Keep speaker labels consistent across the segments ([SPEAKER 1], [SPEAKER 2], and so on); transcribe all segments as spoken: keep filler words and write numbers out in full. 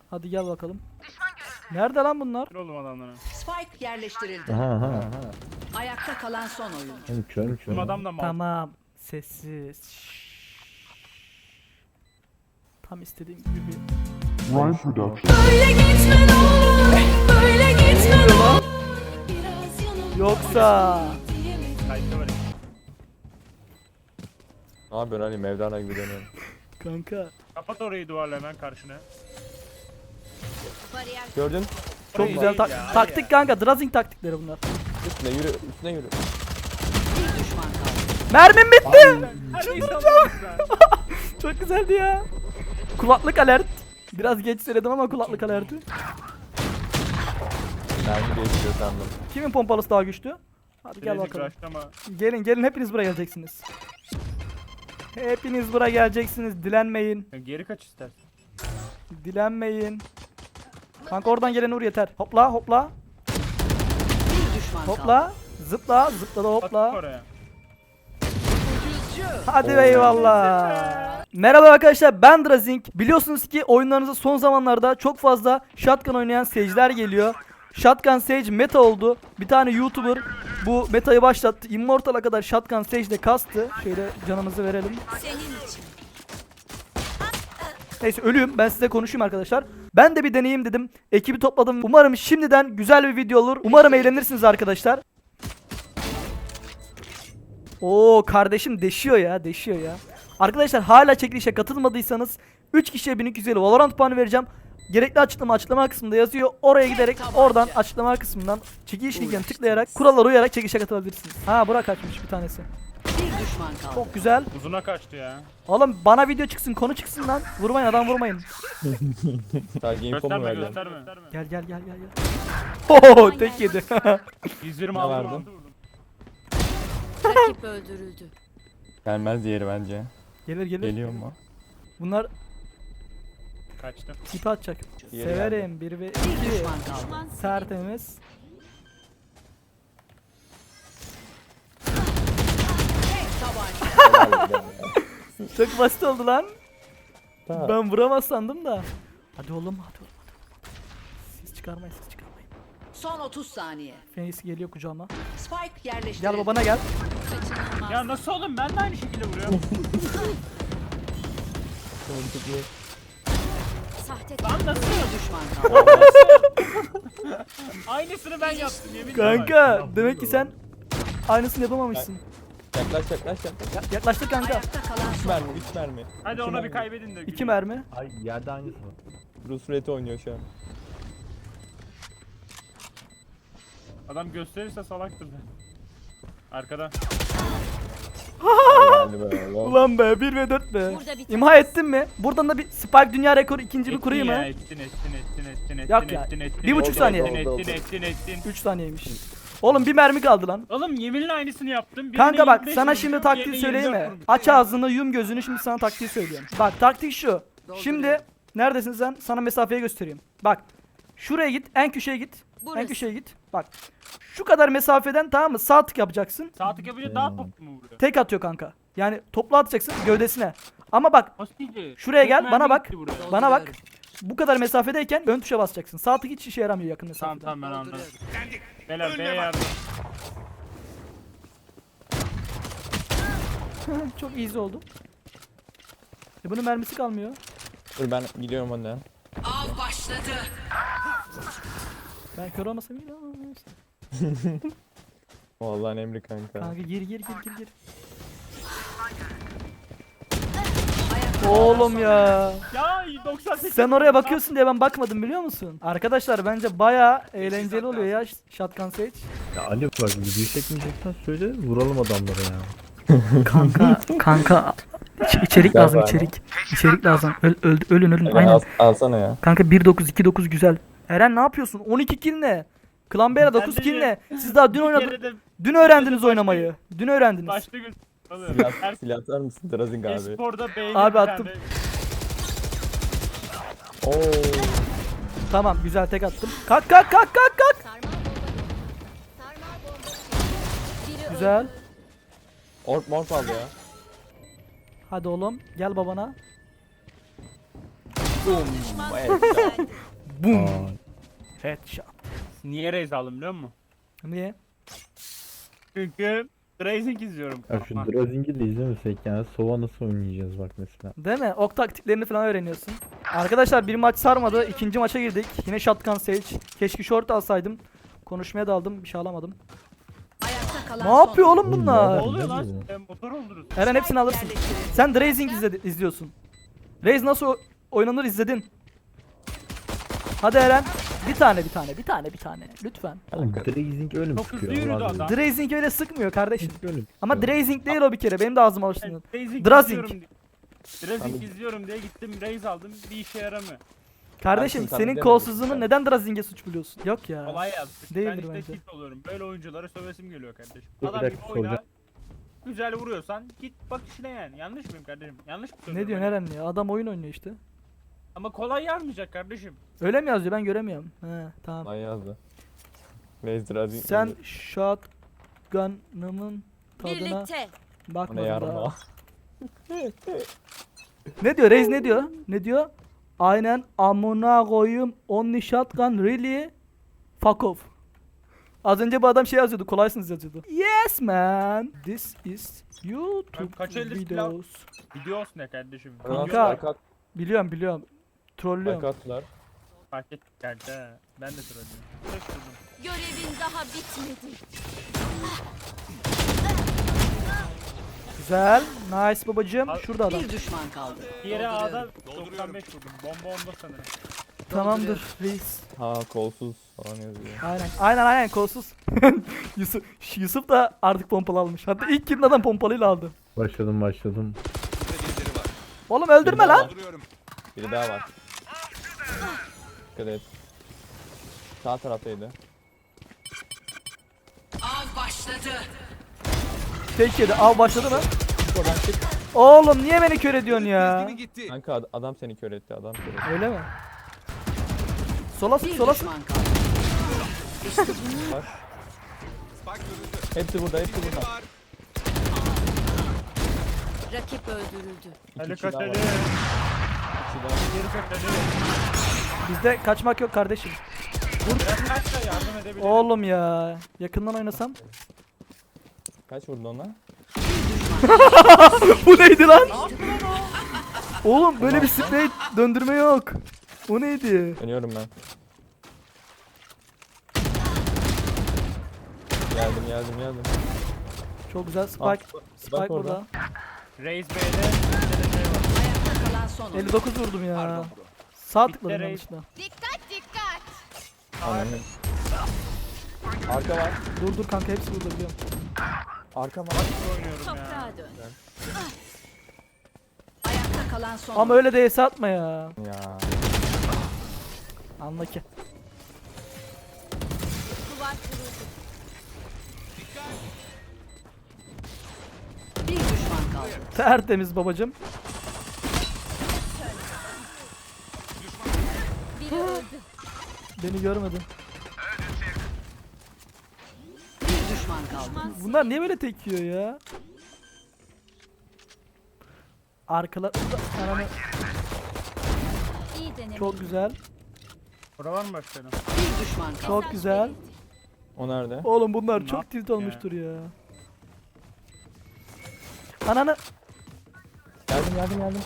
[SPEAKER 1] Hadi gel bakalım. Nerede lan bunlar?
[SPEAKER 2] Kır oğlum adamları.
[SPEAKER 3] Spike yerleştirildi.
[SPEAKER 4] Aha aha.
[SPEAKER 3] Ayakta kalan son oyuncu.
[SPEAKER 4] Oğlum körüm
[SPEAKER 2] Bizim
[SPEAKER 4] körüm.
[SPEAKER 2] adam da mal.
[SPEAKER 1] Tamam. Sessiz. Şşş. Tam istediğim gibi bir...
[SPEAKER 5] Ryan Production.
[SPEAKER 6] Böyle gitme ne olur, böyle gitme ne olur. Biraz yanılma
[SPEAKER 1] Yoksa...
[SPEAKER 6] diyemedim.
[SPEAKER 2] Kayıtta var.
[SPEAKER 4] Ne yapıyorsun Ali Mevlana gibi dönüyorum.
[SPEAKER 1] Kanka.
[SPEAKER 2] Kapat orayı duvarla hemen karşına.
[SPEAKER 4] Gördün?
[SPEAKER 1] Çok
[SPEAKER 2] Orayı
[SPEAKER 1] güzel
[SPEAKER 2] değil
[SPEAKER 1] tak-
[SPEAKER 2] ya, hadi
[SPEAKER 1] taktik
[SPEAKER 2] ya.
[SPEAKER 1] kanka. Drazing taktikleri bunlar.
[SPEAKER 4] Üstüne yürü, üstüne yürü.
[SPEAKER 3] Bir düşman kaldı.
[SPEAKER 1] Mermim bitti.
[SPEAKER 2] Çıldıracağım.
[SPEAKER 1] Çok güzeldi ya. Kulaklık alert. Biraz geç söyledim ama kulaklık alerti.
[SPEAKER 4] Mermi değişiyor sandım.
[SPEAKER 1] Kimin pompalısı daha güçlü? Hadi gel bakalım.
[SPEAKER 2] Ama
[SPEAKER 1] Gelin gelin hepiniz buraya geleceksiniz. Hepiniz buraya geleceksiniz. Dilenmeyin.
[SPEAKER 2] geri kaç istersen.
[SPEAKER 1] Dilenmeyin. Kanka oradan gelen vur yeter. Hopla hopla.
[SPEAKER 3] Bir düşman kaldı.
[SPEAKER 1] Hopla. Zıpla zıpla da
[SPEAKER 2] Attık
[SPEAKER 1] hopla.
[SPEAKER 2] oraya.
[SPEAKER 1] Hadi be eyvallah. Merhaba arkadaşlar, ben Drazing. Biliyorsunuz ki oyunlarınızda son zamanlarda çok fazla shotgun oynayan seyirciler geliyor. Shotgun Sage meta oldu. Bir tane YouTuber bu metayı başlattı. Immortal'a kadar Shotgun Sage ile kastı. Şöyle canımızı verelim. Neyse ölüyüm, ben size konuşayım arkadaşlar. Ben de bir deneyeyim dedim. Ekibi topladım. Umarım şimdiden güzel bir video olur. Umarım eğlenirsiniz arkadaşlar. Oo kardeşim deşiyor ya, deşiyor ya. Arkadaşlar hala çekilişe katılmadıysanız üç kişiye bin iki yüz elli Valorant puanı vereceğim. Gerekli açıklama açıklama kısmında yazıyor. Oraya giderek oradan açıklama kısmından çekiliş linkine tıklayarak kurallara uyarak çekilişe katılabilirsiniz. Ha Burak kaçmış bir tanesi.
[SPEAKER 3] Bir düşman kaldı.
[SPEAKER 1] Çok güzel.
[SPEAKER 2] Uzuna kaçtı ya.
[SPEAKER 1] Oğlum bana video çıksın, konu çıksın lan. Vurmayın adam vurmayın.
[SPEAKER 4] Sadece info mu
[SPEAKER 2] Gösterme
[SPEAKER 4] verdin?
[SPEAKER 2] gösterme.
[SPEAKER 1] Gel gel gel gel gel. Oo tek yedi.
[SPEAKER 2] yüz yirmi
[SPEAKER 4] Ne
[SPEAKER 2] aldım.
[SPEAKER 4] verdin?
[SPEAKER 2] aldım.
[SPEAKER 6] Rakip öldürüldü.
[SPEAKER 4] Gelmez diğeri bence.
[SPEAKER 1] Gelir gelir.
[SPEAKER 4] Geliyor mu?
[SPEAKER 1] Bunlar
[SPEAKER 2] Kaçtı.
[SPEAKER 1] ipi atacak.
[SPEAKER 4] Yeri
[SPEAKER 1] Severim bir ve
[SPEAKER 3] Bir
[SPEAKER 1] iki.
[SPEAKER 3] düşman kaldı.
[SPEAKER 1] Tertemiz.
[SPEAKER 3] Tabanca.
[SPEAKER 4] Helal be.
[SPEAKER 1] Çok basit oldu lan.
[SPEAKER 4] Tamam.
[SPEAKER 1] Ben vuramaz sandım da. Hadi oğlum hadi oğlum hadi oğlum. Siz çıkarmayın siz çıkarmayın.
[SPEAKER 3] Son otuz saniye.
[SPEAKER 1] Fenix geliyor kucağıma.
[SPEAKER 3] Spike yerleştirildi.
[SPEAKER 1] Gel babana gel.
[SPEAKER 2] Ya nasıl oğlum, ben de aynı şekilde vuruyorum.
[SPEAKER 6] Sahte
[SPEAKER 2] Lan nasıl?
[SPEAKER 3] Bir düşman kaldı.
[SPEAKER 2] Aynısını ben yaptım yemin ederim.
[SPEAKER 1] Kanka demek ki sen aynısını yapamamışsın.
[SPEAKER 4] Yaklaş yaklaş yaklaş.
[SPEAKER 1] Ya- yaklaştık kanka.
[SPEAKER 3] Ayakta kalan
[SPEAKER 4] üç
[SPEAKER 3] son
[SPEAKER 4] mermi,
[SPEAKER 3] oyuncu.
[SPEAKER 4] üç mermi.
[SPEAKER 2] Hadi ona bir kaybedin de.
[SPEAKER 1] İki mermi.
[SPEAKER 7] Ay yerde aynısı var.
[SPEAKER 4] Bruce Red oynuyor şu an.
[SPEAKER 2] Adam gösterirse salaktır da. Arkada.
[SPEAKER 4] Helal be oğlum.
[SPEAKER 1] Ulan be bir ve dört be.
[SPEAKER 6] Burada bir
[SPEAKER 1] İmha ettin mi? Buradan da bir Spike dünya rekoru ikinci bir kurayım
[SPEAKER 2] ya,
[SPEAKER 1] mı?
[SPEAKER 2] Ettin ettin ettin ettin ettin
[SPEAKER 1] Yak ya,
[SPEAKER 2] ettin ettin
[SPEAKER 1] bir buçuk
[SPEAKER 2] ettin,
[SPEAKER 1] saniye.
[SPEAKER 2] Ettin
[SPEAKER 4] Oldu,
[SPEAKER 2] ettin
[SPEAKER 4] oldu.
[SPEAKER 2] ettin ettin.
[SPEAKER 1] üç saniyeymiş. Oğlum bir mermi kaldı lan.
[SPEAKER 2] Oğlum yeminle aynısını yaptım. Birine
[SPEAKER 1] Kanka bak
[SPEAKER 2] yirmi beş
[SPEAKER 1] sana
[SPEAKER 2] vurdum,
[SPEAKER 1] şimdi
[SPEAKER 2] diğerine
[SPEAKER 1] taktiği
[SPEAKER 2] yirmi
[SPEAKER 1] söyleyeyim
[SPEAKER 2] dört
[SPEAKER 1] mi?
[SPEAKER 2] vurdum.
[SPEAKER 1] Aç ağzını yum gözünü, şimdi sana taktiği söylüyorum. Bak taktik şu. Şimdi neredesin sen? Sana mesafeyi göstereyim. Bak şuraya git, en köşeye git. En
[SPEAKER 6] Burası.
[SPEAKER 1] köşeye git. Bak şu kadar mesafeden, tamam mı? Sağ tık yapacaksın.
[SPEAKER 2] Sağ tık yapınca daha toplu mu vuruyor?
[SPEAKER 1] Tek atıyor kanka. Yani toplu atacaksın gövdesine. Ama bak
[SPEAKER 2] Hostici.
[SPEAKER 1] Şuraya
[SPEAKER 2] Çok
[SPEAKER 1] gel,
[SPEAKER 2] mermi
[SPEAKER 1] bana bak.
[SPEAKER 2] gitti buraya.
[SPEAKER 1] bana bak. Bu kadar mesafedeyken ön tuşa basacaksın. Sağ tık hiç işe yaramıyor yakın
[SPEAKER 2] Tamam
[SPEAKER 1] mesafede.
[SPEAKER 2] tamam ben anladım. Beyler B'ye yardım.
[SPEAKER 1] Çok easy oldu. E bunun mermisi kalmıyor.
[SPEAKER 4] Dur ben gidiyorum önden.
[SPEAKER 3] Av başladı.
[SPEAKER 1] Ben kör olmasam iyi ama neyse.
[SPEAKER 4] Vallahi emri kanka.
[SPEAKER 1] Kanka gir gir gir gir gir.
[SPEAKER 3] Ayakta
[SPEAKER 1] Oğlum ya.
[SPEAKER 2] Ya doksan sekiz.
[SPEAKER 1] Sen oraya bakıyorsun diye ben bakmadım biliyor musun? Arkadaşlar bence bayağı eğlenceli oluyor ya Shotgun Sage.
[SPEAKER 7] Ya Ali bak video çekmeyeceksen söyle vuralım adamlara ya.
[SPEAKER 1] Kanka kanka İç- içerik
[SPEAKER 4] Gel
[SPEAKER 1] lazım
[SPEAKER 4] bari.
[SPEAKER 1] içerik. İçerik lazım. Öl, öl- ölün ölün
[SPEAKER 4] Eren,
[SPEAKER 1] aynen.
[SPEAKER 4] al, alsana ya.
[SPEAKER 1] Kanka bir dokuz iki dokuz güzel. Eren ne yapıyorsun? on iki kill ne? Klan Bey'le dokuz
[SPEAKER 2] de
[SPEAKER 1] kill
[SPEAKER 2] bir-
[SPEAKER 1] ne? Siz daha dün
[SPEAKER 2] Bir
[SPEAKER 1] oynadınız.
[SPEAKER 2] kere de
[SPEAKER 1] Dün öğrendiniz oynamayı. Dün öğrendiniz.
[SPEAKER 2] başta gün. Oğlum,
[SPEAKER 4] Silah,
[SPEAKER 2] her
[SPEAKER 4] silah atar mısın Drazing abi?
[SPEAKER 2] esporda beğeni
[SPEAKER 1] Abi
[SPEAKER 2] bir
[SPEAKER 1] attım.
[SPEAKER 2] tane-
[SPEAKER 4] Oo.
[SPEAKER 1] Tamam güzel tek attım. Kalk kalk kalk kalk kalk.
[SPEAKER 6] sarmal bomba. Sarmal bomba. Biri
[SPEAKER 1] Güzel.
[SPEAKER 6] öldü.
[SPEAKER 4] Orp morp aldı ya.
[SPEAKER 1] Hadi oğlum gel babana. Boom.
[SPEAKER 7] Aa,
[SPEAKER 1] Headshot.
[SPEAKER 2] Niye raise aldım biliyor musun?
[SPEAKER 1] Niye?
[SPEAKER 2] Çünkü Rising izliyorum.
[SPEAKER 7] ya şu Drazing'i de izlemesek yani Sova nasıl oynayacağız bak mesela.
[SPEAKER 1] Değil mi? Ok taktiklerini falan öğreniyorsun. Arkadaşlar bir maç sarmadı. İkinci maça girdik. Yine Shotgun Sage. Keşke short alsaydım. Konuşmaya daldım. Bir şey alamadım.
[SPEAKER 3] Ayakta kalan
[SPEAKER 1] Ne
[SPEAKER 3] son
[SPEAKER 1] yapıyor oğlum
[SPEAKER 7] Oğlum,
[SPEAKER 1] bunlar?
[SPEAKER 2] Ne oluyor
[SPEAKER 7] Ne
[SPEAKER 2] lan?
[SPEAKER 7] bu?
[SPEAKER 2] E, motor oldunuz.
[SPEAKER 1] Eren hepsini alırsın.
[SPEAKER 3] yerleştirildi.
[SPEAKER 1] Sen Drazing izledi, izliyorsun. Raze nasıl o- oynanır izledin. Hadi Eren. Bir tane bir tane bir tane bir tane. Lütfen.
[SPEAKER 7] Oğlum Drazing öyle mi
[SPEAKER 2] Çok hızlı
[SPEAKER 7] sıkıyor?
[SPEAKER 2] yürüdü
[SPEAKER 7] Allah
[SPEAKER 2] adam.
[SPEAKER 7] bilir.
[SPEAKER 1] Drazing öyle sıkmıyor kardeşim.
[SPEAKER 7] Öyle mi
[SPEAKER 1] Ama
[SPEAKER 7] sıkıyor?
[SPEAKER 1] Drazing değil o bir kere. Benim de ağzıma alıştın.
[SPEAKER 2] Rising
[SPEAKER 1] Drazing.
[SPEAKER 2] izliyorum diye- Drazing izliyorum diye gittim raise aldım bir işe yaramıyor.
[SPEAKER 1] Kardeşim
[SPEAKER 4] Ersin,
[SPEAKER 1] senin
[SPEAKER 4] tabii
[SPEAKER 1] kolsuzluğunu
[SPEAKER 4] demedim.
[SPEAKER 1] neden Drazing'e suç buluyorsun? Yok ya.
[SPEAKER 2] Kolay yazdık.
[SPEAKER 1] Değildir
[SPEAKER 2] ben işte
[SPEAKER 1] bence.
[SPEAKER 2] tilt oluyorum. Böyle oyunculara sövesim geliyor kardeşim.
[SPEAKER 7] Dur, bir
[SPEAKER 2] Adam
[SPEAKER 7] dakika
[SPEAKER 2] gibi oyna.
[SPEAKER 7] soracağım.
[SPEAKER 2] Güzel vuruyorsan git bak işine yani. Yanlış mıyım kardeşim? Yanlış mı
[SPEAKER 1] Ne
[SPEAKER 2] söylüyorum?
[SPEAKER 1] diyorsun
[SPEAKER 2] hani?
[SPEAKER 1] Eren ya? Adam oyun oynuyor işte.
[SPEAKER 2] Ama kolay yazmayacak kardeşim.
[SPEAKER 1] Öyle mi yazıyor? Ben göremiyorum. He tamam.
[SPEAKER 4] Lan yazdı. Raze Drazing.
[SPEAKER 1] Sen shotgun'ımın tadına
[SPEAKER 3] Birlikte.
[SPEAKER 4] O ne
[SPEAKER 1] bakmadın
[SPEAKER 4] yarma?
[SPEAKER 1] daha. Ne diyor? Reis ne diyor? Ne diyor? Aynen amına koyayım only shotgun really fuck off. Az önce bu adam şey yazıyordu. Kolaysınız yazıyordu. Yes man. This is YouTube
[SPEAKER 2] Kaç elde silah-
[SPEAKER 1] videos.
[SPEAKER 2] Videos ne kardeşim?
[SPEAKER 1] Kanka.
[SPEAKER 2] Videos
[SPEAKER 4] Arka,
[SPEAKER 1] Biliyorum biliyorum. Trollüyorum.
[SPEAKER 4] arka attılar.
[SPEAKER 2] fark ettik kanka. Ben de söylüyorum. Şaşırdım.
[SPEAKER 6] Görevin daha bitmedi.
[SPEAKER 1] Güzel. Nice babacığım.
[SPEAKER 2] Al-
[SPEAKER 1] Şurada adam.
[SPEAKER 3] Bir düşman kaldı.
[SPEAKER 2] Diğeri A'da doksan beş vurdum. Bomba onda sanırım.
[SPEAKER 1] Tamamdır reis.
[SPEAKER 4] Ha kolsuz falan yazıyor.
[SPEAKER 1] Aynen. Aynen aynen kolsuz. Yusuf, Yusuf da artık pompalı almış. Hatta ilk kimin adam pompalıyla aldı.
[SPEAKER 7] Başladım başladım.
[SPEAKER 1] Oğlum öldürme
[SPEAKER 4] Biri daha
[SPEAKER 1] lan.
[SPEAKER 4] var. Biri daha var. Dikkat et. Sağ taraftaydı.
[SPEAKER 3] Av başladı.
[SPEAKER 1] Tek yedi. Av başladı mı? Oğlum niye beni kör ediyorsun ya?
[SPEAKER 4] Kanka ad- adam seni kör etti adam kör etti.
[SPEAKER 1] Öyle mi? Sola sık
[SPEAKER 3] Bir
[SPEAKER 1] sola sık.
[SPEAKER 3] düşman kaldı.
[SPEAKER 4] Hepsi burada hepsi burada.
[SPEAKER 3] Rakip öldürüldü.
[SPEAKER 4] İki
[SPEAKER 2] Ali
[SPEAKER 4] kişi daha var.
[SPEAKER 2] Kateli.
[SPEAKER 4] İki daha.
[SPEAKER 2] Geri Kateli.
[SPEAKER 1] Bizde kaçmak yok kardeşim.
[SPEAKER 2] Biraz kaç da yardım edebilirim.
[SPEAKER 1] Oğlum ya. Yakından oynasam.
[SPEAKER 4] Kaç vurdun ona?
[SPEAKER 1] Bu neydi lan? Oğlum böyle bir sprey döndürme yok. O neydi?
[SPEAKER 4] Dönüyorum ben. Geldim geldim geldim.
[SPEAKER 1] Çok güzel Spike.
[SPEAKER 4] Ah,
[SPEAKER 1] Spike
[SPEAKER 4] bak
[SPEAKER 1] burada.
[SPEAKER 4] orada.
[SPEAKER 2] Raise B'de bir de şey var.
[SPEAKER 3] Ayakta kalan son oyuncu.
[SPEAKER 1] elli dokuz vurdum ya. Sağ tıkladım
[SPEAKER 2] Bitti
[SPEAKER 1] yanlışlıkla.
[SPEAKER 6] Dikkat dikkat.
[SPEAKER 4] Ananı. Arka var.
[SPEAKER 1] Dur dur kanka hepsi burada biliyorum.
[SPEAKER 4] Arka var.
[SPEAKER 2] Nasıl oynuyorum ya?
[SPEAKER 6] Toprağa dön.
[SPEAKER 3] Ayakta kalan son
[SPEAKER 1] Ama öyle de S atma ya.
[SPEAKER 4] Ya.
[SPEAKER 1] Anla ki.
[SPEAKER 6] Duvar kuruldu.
[SPEAKER 3] Bir düşman kaldı.
[SPEAKER 1] Tertemiz babacım.
[SPEAKER 6] Biri öldü.
[SPEAKER 1] Beni görmedi.
[SPEAKER 3] Bir düşman kaldı.
[SPEAKER 1] Bunlar niye böyle tek yiyor ya? Arkalar... Ananı...
[SPEAKER 6] İyi deneme.
[SPEAKER 1] Çok güzel.
[SPEAKER 2] Bura var mı başkanım?
[SPEAKER 3] Bir düşman kaldı.
[SPEAKER 1] Çok güzel.
[SPEAKER 4] O nerede?
[SPEAKER 1] Oğlum bunlar
[SPEAKER 2] Ne
[SPEAKER 1] çok
[SPEAKER 2] yaptık
[SPEAKER 1] tilt
[SPEAKER 2] ya?
[SPEAKER 1] olmuştur ya. Ananı...
[SPEAKER 4] Geldim geldim geldim.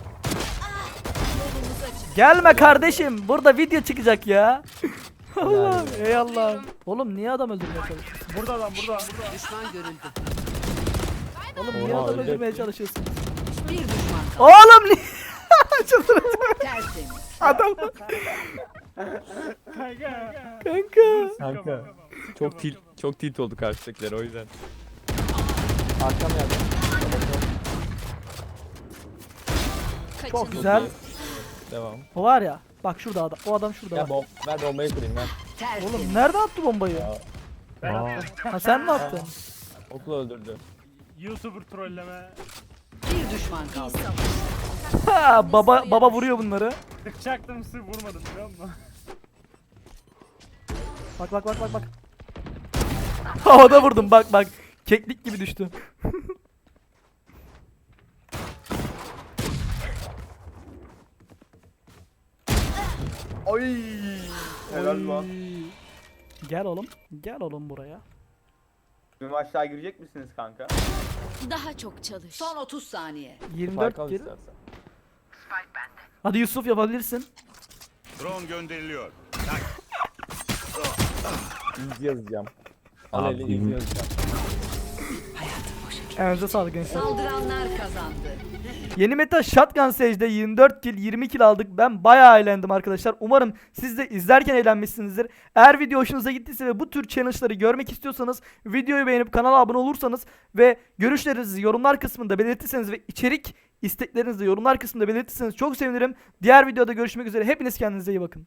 [SPEAKER 1] Gelme kardeşim. Burada video çıkacak ya. Allah.
[SPEAKER 4] Yani.
[SPEAKER 1] Ey Allah. Oğlum niye adam öldürmeye çalışıyorsun?
[SPEAKER 2] Burada lan burada. burada.
[SPEAKER 3] Düşman görüldü.
[SPEAKER 1] Oğlum niye
[SPEAKER 4] Oha,
[SPEAKER 1] adam
[SPEAKER 4] ölecek.
[SPEAKER 1] öldürmeye çalışıyorsun?
[SPEAKER 3] Bir düşman kaldı.
[SPEAKER 1] Oğlum niye? Çıldıracağım.
[SPEAKER 3] Tertemiz.
[SPEAKER 1] Adam
[SPEAKER 2] Kanka.
[SPEAKER 1] kanka.
[SPEAKER 4] Kanka. Çok tilt çok tilt oldu karşıdakiler o yüzden. Arkam geldi.
[SPEAKER 1] Çok güzel.
[SPEAKER 4] Devam.
[SPEAKER 1] O var ya. Bak şurada adam. O adam şurada.
[SPEAKER 4] Ya
[SPEAKER 1] bak.
[SPEAKER 4] bom ver bombayı kırayım ver.
[SPEAKER 3] Tertemiz.
[SPEAKER 1] Oğlum nerede attı bombayı?
[SPEAKER 2] Ben
[SPEAKER 7] Aa.
[SPEAKER 2] attım.
[SPEAKER 1] Ha sen mi attın?
[SPEAKER 4] Okul öldürdü.
[SPEAKER 2] YouTuber trolleme.
[SPEAKER 3] Bir düşman kaldı.
[SPEAKER 1] Ha baba baba vuruyor bunları.
[SPEAKER 2] Sıkacaktım sırf vurmadım biliyor musun?
[SPEAKER 1] Bak bak bak bak bak. Havada vurdum bak bak. Keklik gibi düştü.
[SPEAKER 2] Oy. Helal lan.
[SPEAKER 1] Gel oğlum. Gel oğlum buraya.
[SPEAKER 2] Benim aşağı girecek misiniz kanka?
[SPEAKER 6] Daha çok çalış.
[SPEAKER 3] Son otuz saniye.
[SPEAKER 1] yirmi
[SPEAKER 4] Fark
[SPEAKER 1] dört
[SPEAKER 4] al
[SPEAKER 1] kill.
[SPEAKER 4] istersen.
[SPEAKER 1] Hadi Yusuf yapabilirsin.
[SPEAKER 8] Drone gönderiliyor.
[SPEAKER 4] İz yazacağım. Al
[SPEAKER 7] Abi,
[SPEAKER 4] eli iz
[SPEAKER 7] yirmi-
[SPEAKER 4] yazacağım.
[SPEAKER 1] Elinize sağlık gençler.
[SPEAKER 3] Saldıranlar kazandı.
[SPEAKER 1] Yeni meta Shotgun Sage'de yirmi dört kill yirmi kill aldık. Ben bayağı eğlendim arkadaşlar. Umarım siz de izlerken eğlenmişsinizdir. Eğer video hoşunuza gittiyse ve bu tür challenge'ları görmek istiyorsanız videoyu beğenip kanala abone olursanız ve görüşlerinizi yorumlar kısmında belirtirseniz ve içerik isteklerinizi yorumlar kısmında belirtirseniz çok sevinirim. Diğer videoda görüşmek üzere. Hepiniz kendinize iyi bakın.